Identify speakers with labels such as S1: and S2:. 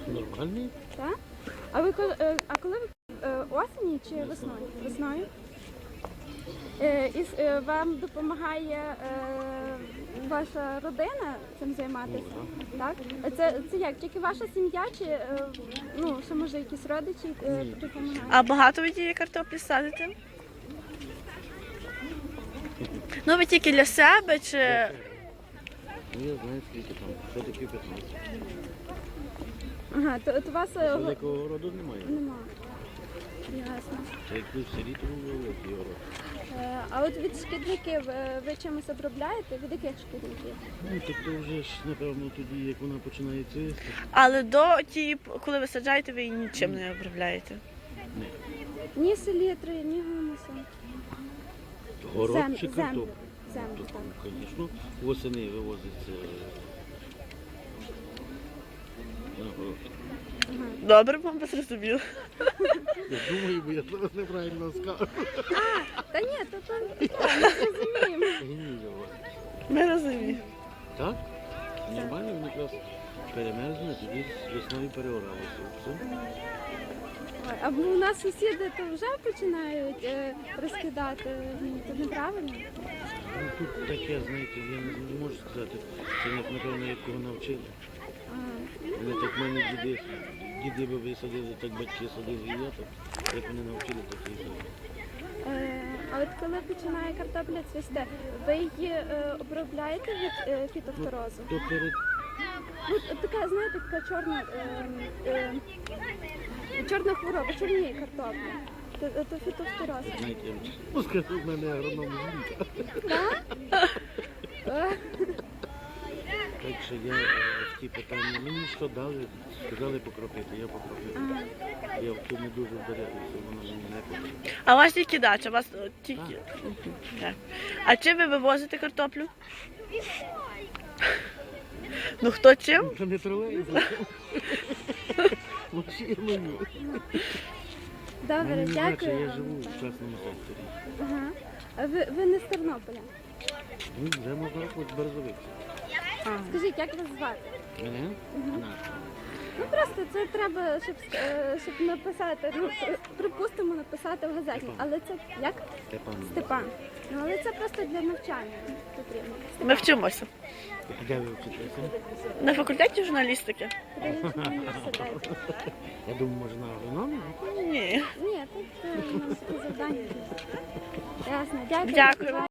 S1: Нормальний?
S2: Так? А коли ви осені чи весною? Весною? Вам допомагає ваша родина цим займатися? Так? Це як? Тільки ваша сім'я чи ну, що може якісь родичі допомагають?
S3: А багато ви тієї картоплі садите? Ну ви тільки для себе чи...
S1: Ну я знаю скільки там, що таке 15.
S2: Ага, то у вас
S1: Великого роду немає.
S2: нема. Ясно.
S1: Це як ви в селі, то великий город.
S2: А от від шкідників ви чимось обробляєте? Від яких шкідників?
S1: Ну, тобто вже ж, напевно, тоді, як вона починає цвісти.
S3: Але до тієї, коли ви саджаєте, ви її нічим не обробляєте?
S2: Ні селітри, ні гумусу.
S1: Город чи картоп?
S2: Землю,
S1: Тобто,
S2: так.
S1: звісно, восени вивозиться на город.
S3: Добре, вам зрозуміло.
S1: Я думаю, бо я зараз неправильно скажу.
S2: Та ні, то ми розуміємо.
S1: Гніло.
S3: Ми розуміємо.
S1: Так? Нормально, він якраз перемерзне, тоді весною переоралося. Все.
S2: Ой, а у нас сусіди то вже починають розкидати. Це неправильно.
S1: Ну, тут таке, знаєте, я не можу сказати. Це, напевно, як кого навчили. Вони так в мене діди би висадили, так батьки садили, і я так. Як вони навчили, так і садили.
S2: А от коли починає картопля цвісти, ви її обробляєте від фітофторозу?
S1: То перед
S2: От така, знаєте, така чорна хвороба, чорніє картопля. То фітофтороз.
S1: знаєте, ну скажу, в мене агроном жінка.
S2: Так?
S1: Так що я в ті питання, мені що дали, сказали покропити, я покропив. Я в тому дуже вдаряюся, воно мені не потрібно.
S3: А у вас тільки дача, у вас тільки... Так. А чим ви вивозите картоплю? Ну хто чим?
S1: Це не тролей, машиною.
S2: Добре, дякую
S1: Я
S2: вам.
S1: живу в частному секторі.
S2: Ага. А ви не з Тернополя?
S1: Ну, вже можна рахувати березовиці.
S2: Скажіть, як вас звати?
S1: Мене?
S2: Ну просто це треба, щоб написати, ну припустимо, написати в газеті. Але це як?
S1: Степан.
S2: Степан. Ну але це просто для навчання потрібно.
S3: Ми вчимося.
S1: Де ви вчитеся?
S3: На факультеті журналістики?
S2: Педагогічний університет.
S1: Я думаю, може на агрономію?
S3: Ні.
S2: Ні, тут у нас такі завдання. Ясно, дякую.
S3: Дякую.